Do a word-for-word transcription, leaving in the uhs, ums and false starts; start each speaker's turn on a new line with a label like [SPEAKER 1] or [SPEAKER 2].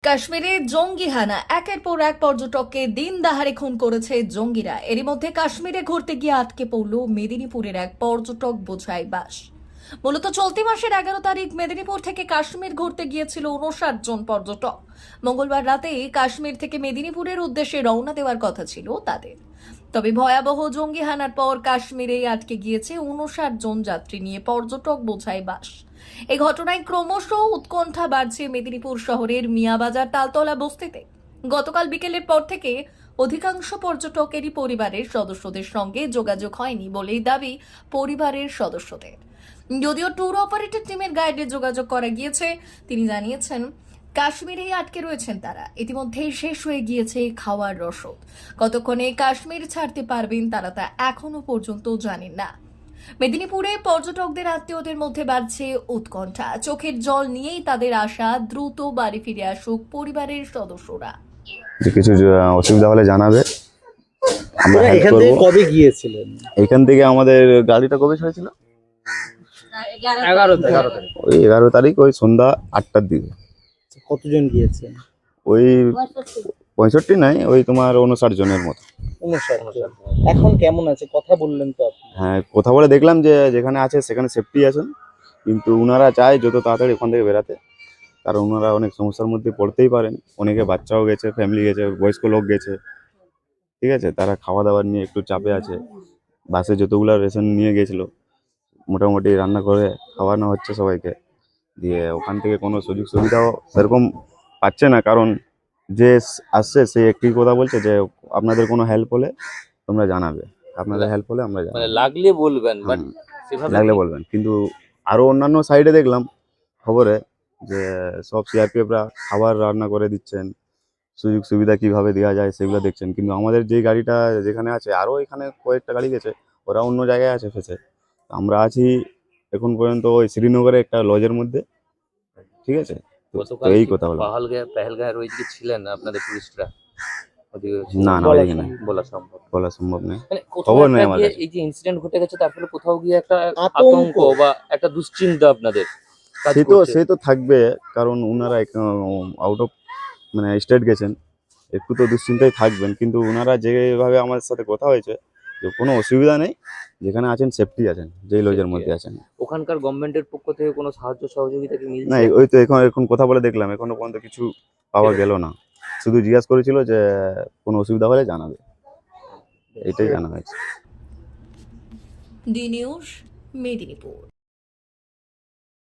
[SPEAKER 1] কাশ্মীরে জঙ্গি হানা, একের পর এক পর্যটককে দিন দাহারে খুন করেছে জঙ্গিরা। এরই মধ্যে কাশ্মীরে ঘুরতে গিয়ে আটকে পড়ল মেদিনীপুরের এক পর্যটক বোঝাই বাস। মূলত চলতি মাসের এগারো তারিখ মেদিনীপুর থেকে কাশ্মীর ঘুরতে গিয়েছিল উনষাট জন পর্যটক। মঙ্গলবার রাতে কাশ্মীর থেকে মেদিনীপুরের উদ্দেশ্যে রওনা দেওয়ার কথা ছিল তাদের। তবে ভয়াবহ জঙ্গি হানার পর কাশ্মীরে আটকে গিয়েছে উনষাট জন যাত্রী নিয়ে পর্যটক বোঝাই বাস। এই ঘটনায় ক্রমশ উৎকণ্ঠা বাড়ছে মেদিনীপুর শহরের মিয়াবাজার তালতলা বস্তিতে। গতকাল বিকেলের পর থেকে অধিকাংশ পর্যটকেরই পরিবারের সদস্যদের সঙ্গে যোগাযোগ হয়নি বলেই দাবি পরিবারের সদস্যদের। যদিও ট্যুর অপারেটর টিমের গাইডে যোগাযোগ করা গিয়েছে, তিনি জানিয়েছেন কাশ্মীরেই আটকে রয়েছেন তারা। ইতিমধ্যেই শেষ হয়ে গিয়েছে খাওয়ার রসদ। কতক্ষণে কাশ্মীর ছাড়তে পারবেন তারা তা এখনো পর্যন্ত জানেন না। মেদিনীপুরে পর্যটকদের আত্মীয়দের মধ্যে বাড়ছে উৎকণ্ঠা। চোখের জল নিয়েই তাদের আশা দ্রুত বাড়ি ফিরে আসুক পরিবারের সদস্যরা।
[SPEAKER 2] যে কিছু অসুবিধা হলে জানাবে, আমরা হেল্প
[SPEAKER 3] এখান
[SPEAKER 2] করব।
[SPEAKER 3] থেকে কবে গিয়েছিলেন?
[SPEAKER 2] এখান থেকে আমাদের গাড়িটা কবে ছেড়েছিল?
[SPEAKER 3] এগারো এগারো তারিখ।
[SPEAKER 2] ওই এগারো তারিখ ওই সন্ধ্যা আটটার দিকে।
[SPEAKER 3] কতজন গিয়েছেন?
[SPEAKER 2] ওই পঁয়ষট্টি নাই, ওই তোমার উনষাট জনের মতো।
[SPEAKER 3] উনষাট। এখন কেমন আছে? কথা বললেন তো আপনি?
[SPEAKER 2] হ্যাঁ, কথা বলে দেখলাম যে যেখানে আছে সেখানে সেফটি আছেন, কিন্তু ওনারা চায় যত তাড়াতাড়ি ওখান থেকে বেরাতে, কারণ ওনারা অনেক সমস্যার মধ্যে পড়তেই পারেন। অনেকে বাচ্চাও গেছে, ফ্যামিলি গেছে, বয়স্ক লোক গেছে, ঠিক আছে। তারা খাওয়া দাওয়ার নিয়ে একটু চাপে আছে। বাসে যতগুলো রেশন নিয়ে গেছিলো মোটামুটি রান্না করে খাওয়ানো হচ্ছে সবাইকে, দিয়ে ওখান থেকে কোনো সুযোগ সুবিধাও সেরকম পাচ্ছে না। কারণ যে আসছে সে একটি কথা বলছে যে আপনাদের কোনো হেল্প হলে তোমরা জানাবে, আপনাদের হেল্প হলে আমরা জানাবো,
[SPEAKER 4] মানে লাগলে বলবেন, বাট
[SPEAKER 2] হুম,
[SPEAKER 4] সেভাবে
[SPEAKER 2] লাগলে বলবেন। কিন্তু আরো অন্যান্য সাইডে দেখলাম খবরে যে সব সিআরপিএফরা খাবার রান্না করে দিচ্ছেন, সুযোগ সুবিধা কিভাবে দেওয়া যায় সেগুলো দেখছেন। কিন্তু আমাদের যে গাড়িটা যেখানে আছে, আরো এখানে কয়েকটা গাড়ি গেছে, ওরা অন্য জায়গায় আছে ফেসে। আমরা আছি এখন পর্যন্ত ওই শ্রীনগরে একটা লজের মধ্যে, ঠিক আছে। তো
[SPEAKER 4] গতকাল
[SPEAKER 2] এই
[SPEAKER 4] কি
[SPEAKER 2] কথা বললাম।
[SPEAKER 4] পাহালগাঁও পেহেলগাঁওয়ের ওইদিকে ছিলেন আপনাদের টুরিস্টরা? ওদিকে
[SPEAKER 2] না না,
[SPEAKER 3] বলা
[SPEAKER 2] ওইদিকে না,
[SPEAKER 4] বলা সম্ভব
[SPEAKER 2] বলা সম্ভব নয়।
[SPEAKER 4] মানে কোথাও
[SPEAKER 2] খবর নেই
[SPEAKER 4] একটা
[SPEAKER 2] আমার
[SPEAKER 4] গিয়ে
[SPEAKER 2] কাছে।
[SPEAKER 4] এই যে ইনসিডেন্ট ঘটে গেছে, তার ফলে কোথাও গিয়ে একটা
[SPEAKER 3] আতঙ্ক।
[SPEAKER 4] আতঙ্ক বা একটা দুশ্চিন্তা আপনাদের কাজ
[SPEAKER 2] সে তো
[SPEAKER 4] করছে।
[SPEAKER 2] সে তো থাকবে, কারণ ওনারা আউট অফ মানে স্টেট গেছেন, একটু তো দুশ্চিন্তায় থাকবেন। কিন্তু ওনারা যেভাবে আমার সাথে কথা হয়েছে যে কোনো অসুবিধা নেই, যেখানে আছেন সেফটি আছেন, যেই লজের
[SPEAKER 4] Safety
[SPEAKER 2] মধ্যে
[SPEAKER 4] আছে।
[SPEAKER 2] আছেন।
[SPEAKER 4] ওখানকার গভর্নমেন্টের পক্ষ থেকে কোনো সাহায্য সহযোগিতা কি
[SPEAKER 2] না,
[SPEAKER 4] মিলছে?
[SPEAKER 2] ওই তো এখন এখন কথা বলে দেখলাম, এখনো পর্যন্ত কিছু পাওয়া গেল না। শুধু জিজ্ঞাসা করেছিল যে কোনো অসুবিধা হলে জানাবে, এটাই জানা হয়েছে।
[SPEAKER 1] D news, Medinipur.